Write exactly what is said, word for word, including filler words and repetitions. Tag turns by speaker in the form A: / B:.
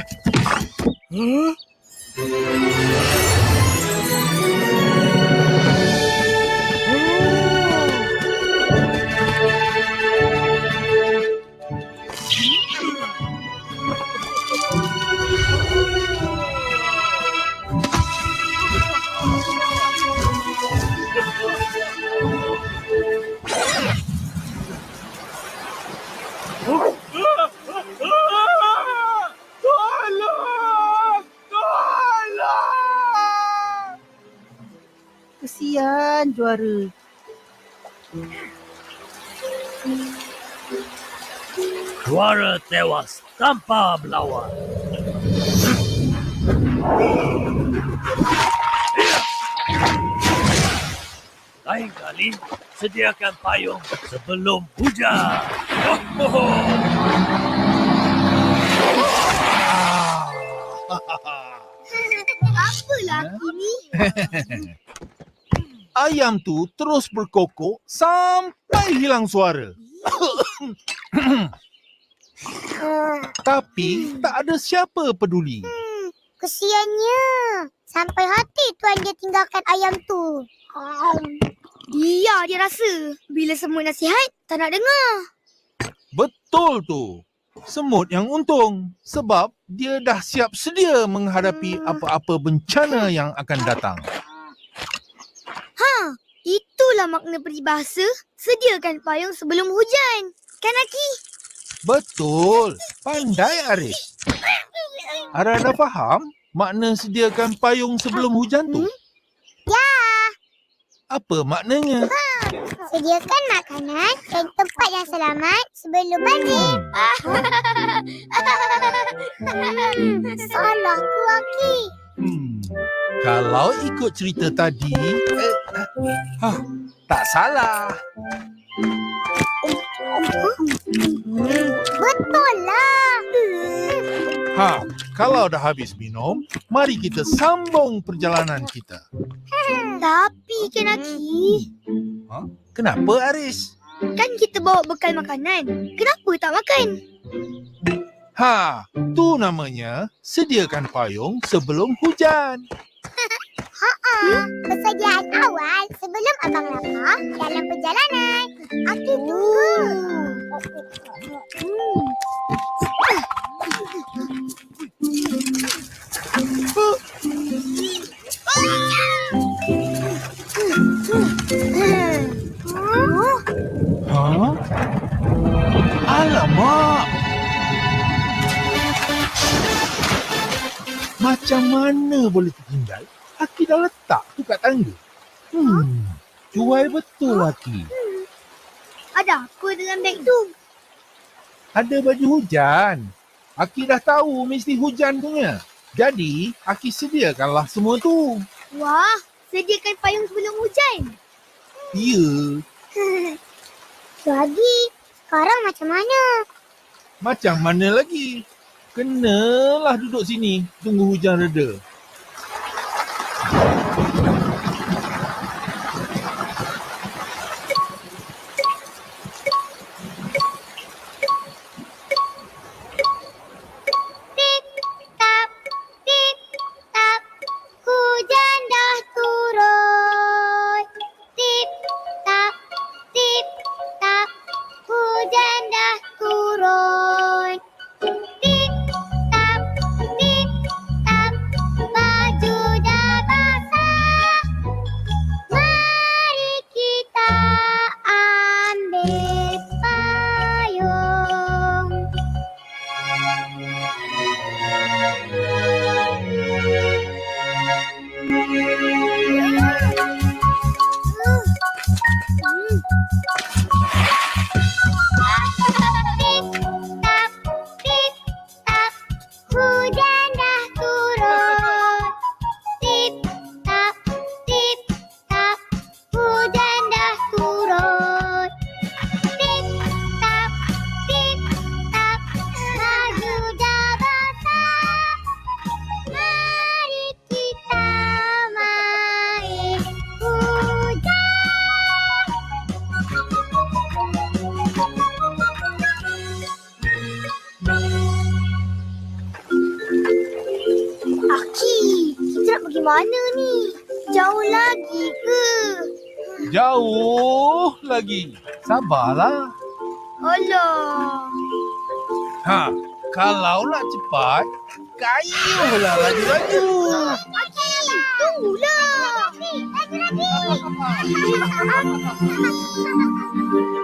A: Huh? Tolong! Tolong!
B: Kesian juara.
C: Juara tewas tanpa melawan. Lain kali, sediakan payung sebelum hujan. Oh, oh, oh.
D: Apa laki ni?
A: Ayam tu terus berkokok sampai hilang suara. Tapi tak ada siapa peduli.
D: Hmm, kesiannya. Sampai hati tuan dia tinggalkan ayam tu. Dia dia rasa. Bila semua nasihat, tak nak dengar.
A: Betul tu. Semut yang untung sebab dia dah siap sedia menghadapi apa-apa bencana yang akan datang.
D: Ha, itulah makna peribahasa. Sediakan payung sebelum hujan. Kan Aki?
A: Betul. Pandai Aris. Ara dah faham makna sediakan payung sebelum hujan tu?
D: Ya.
A: Apa maknanya?
D: Sediakan makanan dan tempat yang selamat sebelum banjir. Hmm. Salah ku Aki.
A: Hmm. Kalau ikut cerita tadi, eh, ha, tak salah.
D: Betul lah.
A: Ha, kalau dah habis minum, mari kita sambung perjalanan kita.
D: Tapi kan Aki,
A: Ha? Kenapa Aris?
D: kan kita bawa bekal makanan. Kenapa tak makan?
A: Ha, tu namanya sediakan payung sebelum hujan.
D: Haa, persediaan awal sebelum abang lapar dalam perjalanan. Aki tunggu.
A: Ha? Alamak! Macam mana boleh tertinggal? Aki dah letak tu kat tangga. Hmm, cuai betul Aki.
D: Ada apa dalam beg tu?
A: Ada baju hujan. Aki dah tahu mesti hujan punya. Jadi, Aki sediakanlah semua tu.
D: Wah, sediakan payung sebelum hujan.
A: Ya,
D: Jadi, sekarang macam mana?
A: macam mana lagi? Kenalah duduk sini, tunggu hujan reda.
D: Tip tap, tip tap, hujan dah turun. Tip tap, tip tap, hujan dah turun. Tip tap, tip tap,
A: Jauh lagi. Sabarlah.
D: Alah.
A: Ha, kalau nak cepat, kayuhlah laju-laju.
D: Okey, tunggulah. Lagi, lagi.